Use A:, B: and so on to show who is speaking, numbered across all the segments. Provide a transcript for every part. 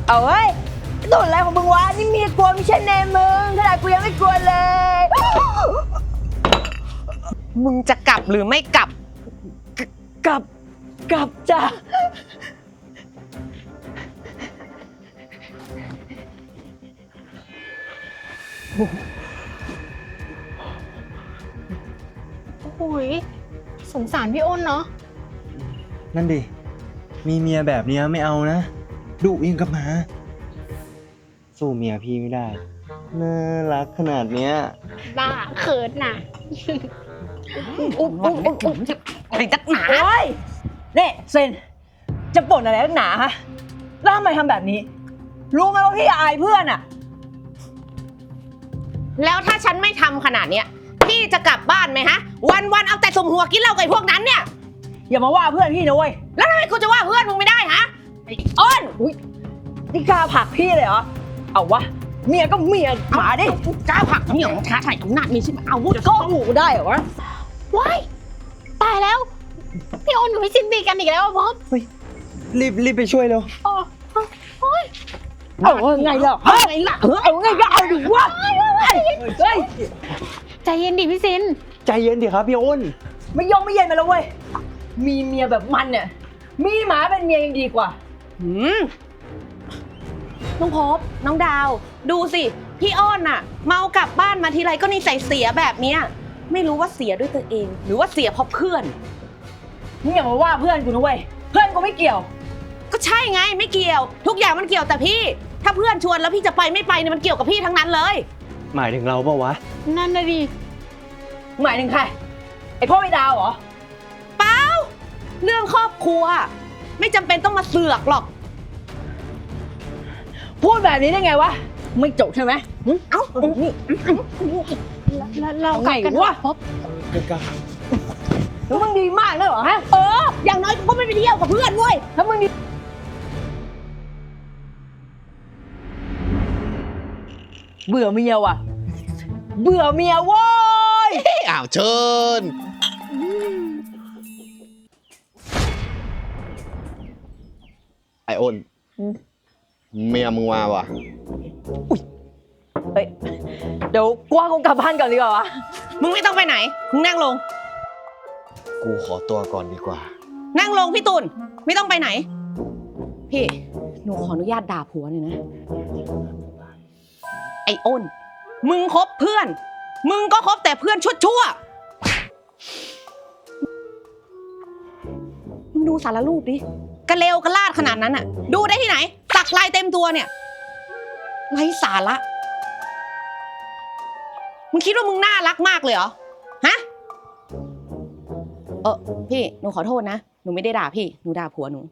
A: เอาเฮ้ยตุ่นอะไรของมึงวะนี่เมียกลัวไม่ใช่เนมมึงขนาดกูยังไม่กลัวเลย
B: มึงจะกลับหรือไม่กลับ
A: กลับจ้ะ
C: โอ้ยสงสารพี่อ้นเนาะ
D: นั่นดิ มีเมียแบบนี้ไม่เอานะดุยิ่งกับหมาสู้เมียพี่ไม่ได้ น่ารักขนาดเนี้ย
C: บ้าเขินน่ะ
B: อะไรนักหนา
A: โอ้ยเนี่ยเซนจะบ่นอะไรนักหนาฮะแล้วทำไมทำแบบนี้ รู้ไหมว่าพี่อายเพื่อนอ่ะ
B: แล้วถ้าฉันไม่ทำขนาดเนี้ยพี่จะกลับบ้านไหมฮะ วันเอาแต่สมหัวกินเหล้ากับพวกนั้นเนี่ย
A: อย่ามาว่าเพื่อนพี่นะเว้ย
B: แล้วทำไมกูจะว่าเพื่อนมึงไม่ได้ฮะไอ้อ้น
A: อุ๊ยนี่กล้าผลักพี่เลยเหรอเอาวะเมียก็เมียหมาดิ
B: กล้าผลักเหนี่ยวท้าทายอำนาจมีใช่ไหมอาวุธ
A: ก็หูได้เหรอวะ
C: ว้าย ตายแล้ว พี่อ้นกับพี่ซินตีกันอีกแล้วบ๊อบ
D: รีบไปช่วยเร็ว
C: โอ้ย
A: เอาไงล่ะเอาไงล่ะเอาไงก็เอาดิวะเฮ้ย
C: ใจเย็นดิพี่ซิน
D: ใจเย็นดิครับพี่อ้น
A: ไม่ยงไม่เย็นมาแล้วเว้ยมีเมียแบบมันเนี่ยมีหมาเป็นเมียยังดีกว่า
B: น้องพบน้องดาว ดูสิพี่อ้นน่ะ เมากลับบ้านมาทีไรก็นิสัยเสียแบบเนี้ยไม่รู้ว่าเสียด้วยตัวเอง หรือว่าเสียเพราะเพื่อน
A: นี่อย่ามาว่าเพื่อนกูนะเว้ยเพื่อนกูไม่เกี่ยว
B: ก็ใช่ไงไม่เกี่ยว ทุกอย่างมันเกี่ยวแต่พี่ ถ้าเพื่อนชวนแล้วพี่จะไปไม่ไปเนี่ยมันเกี่ยวกับพี่ทั้งนั้นเลย
D: หมายถึงเราเปล่าวะ
C: นั่นน่ะดิ
A: หมายถึงใครไอพ่อไม่ดาวเหรอ
B: เปล่าเรื่องครอบครัว ไม่จำเป็นต้องมาเสือกหรอก
A: พูดแบบนี้ได้ไงวะไม่จบใช่ไหมเอ้านี่
C: แล้วเรา
A: เอาไง
C: กัน
A: วะ
C: บ๊อบ
A: แล้วมึงดีมากนะเหรอฮะ
B: อย่างน้อยกูก็ไม่ไปเที่ยวกับเพื่อนเว้ย
A: ถ้ามึงดีเบื่อเมียว่ะเบื่อเมียโว้ย
E: อ้าวเชิญไออ้นเมียมึงมาว่ะ
A: เฮ้ยเดี๋ยวกว่ากูกลับบ้านก่อนดีกว่าวะ
B: มึงไม่ต้องไปไหนมึงนั่งลง
E: กูขอตัวก่อนดีกว่า
B: นั่งลงพี่ตุลไม่ต้องไปไหน พี่หนูขออนุญาตด่าผัวหน่อยนะไอ้อ้นมึงคบเพื่อน มึงก็คบแต่เพื่อนชั่วๆมึงดูสารรูปดิกระเลวกระลาดขนาดนั้นอ่ะ ดูได้ที่ไหนสักลายเต็มตัวเนี่ยไร้สาระมึงคิดว่ามึงน่ารักมากเลยเหรอฮะพี่หนูขอโทษนะหนูไม่ได้ด่าพี่หนูด่าผัวหนู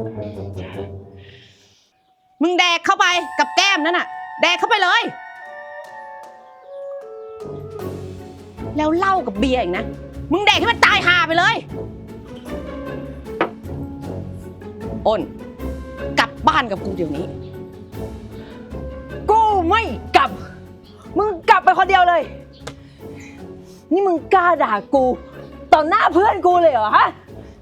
B: มึงแดกเข้าไปกับแก้มนั่นน่ะแดกเข้าไปเลยแล้วเหล้ากับเบียร์อีกนะมึงแดกให้มันตายห่าไปเลยอ้นกลับบ้านกับกูเดี๋ยวนี้
A: กูไม่กลับมึงกลับไปคนเดียวเลยนี่มึงกล้าด่ากูต่อหน้าเพื่อนกูเลยเหรอฮะ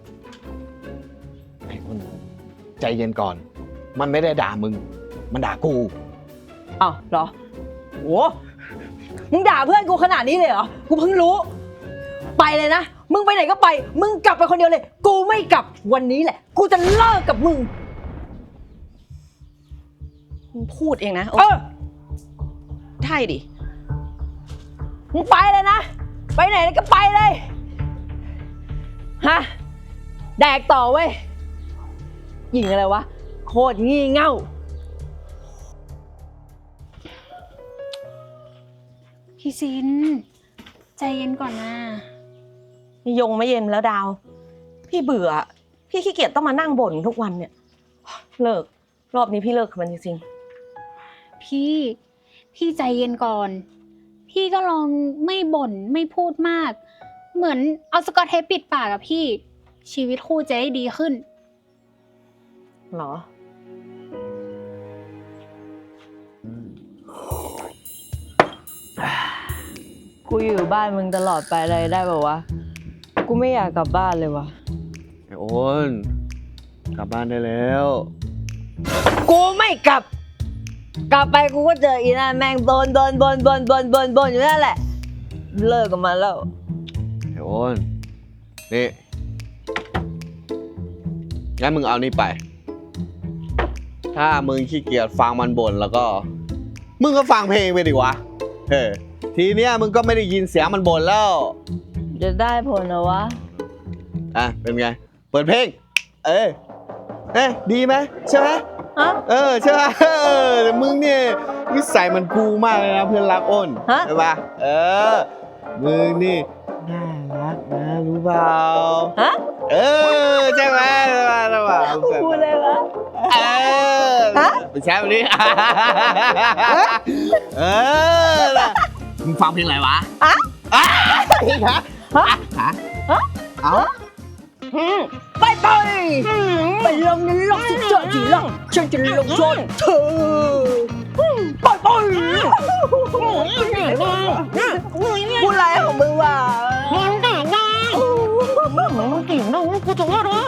E: ไออ้นใจเย็นก่อน มันไม่ได้ด่ามึง มันด่ากู
A: อ้าวเหรอโหมึงด่าเพื่อนกูขนาดนี้เลยเหรอกูเพิ่งรู้ไปเลยนะมึงไปไหนก็ไปมึงกลับไปคนเดียวเลยกูไม่กลับวันนี้แหละกูจะเลิกกับมึง
B: มึงพูดเองนะ ใช่ดิ
A: มึงไปเลยนะไปไหนก็ไปเลยฮะแดกต่อเว้ยหญิงอะไรวะโคตรงี่เง่า
C: พี่ซิน ใจเย็นก่อนนะ
B: ยงไม่เย็นแล้วดาว พี่เบื่อ พี่ขี้เกียจต้องมานั่งบ่นทุกวันเนี่ย เลิก รอบนี้พี่เลิกกับมันจริง
C: พี่ใจเย็นก่อน พี่ก็ลองไม่บ่นไม่พูดมาก เหมือนเอาสกอตเทปปิดปากอะพี่ ชีวิตคู่จะได้ดีขึ้น
B: ๆหรอ
A: กูอยู่บ้านมึงตลอดไปเลยได้ป่าวะกูไม่อยากกลับบ้านเลยวะ
D: ไอ้อ้น กลับบ้านได้แล้ว
A: กูไม่กลับ กลับไปกูก็เจออีนั่นแม่งบนอยู่นั่นแหละ เลิกกับมันแล้ว
E: ไอ้โอนนี่งั้นมึงเอานี่ไป ถ้ามึงขี้เกียจฟังมันบ่นแล้วก็ มึงก็ฟังเพลงไปดิวะทีเนี้ยมึงก็ไม่ได้ยินเสียงมันบ่นแล้ว
A: จะได้ผลนะวะ
E: อ่ะเป็นไง เปิดเพลง ดีไหมใช่ไหม
A: ฮะ
E: ใช่ไหมแต่มึงเนี่ยนิสัยมันกูมากเลยนะเพื่อนรักอ้น
A: ฮะ
E: ใช่ปะมึงนี่น่ารักนะรู้เปล่า
A: ฮะ
E: ใช่ไหมใช่ไหม
A: พูดเลยวะ ฮะ
E: เป็นแชมป์นี้น่ะมึงฟังเพลงอะไรวะ
A: อะ
E: ฮะ เอา
A: ไปไปลงนั้นลงสิเจอจีลงฉันจะลงโทษเธอไปพูดอะไรของมึงวะ
C: มึงแต่งงานมึงเก่งนะกูจะว่าร้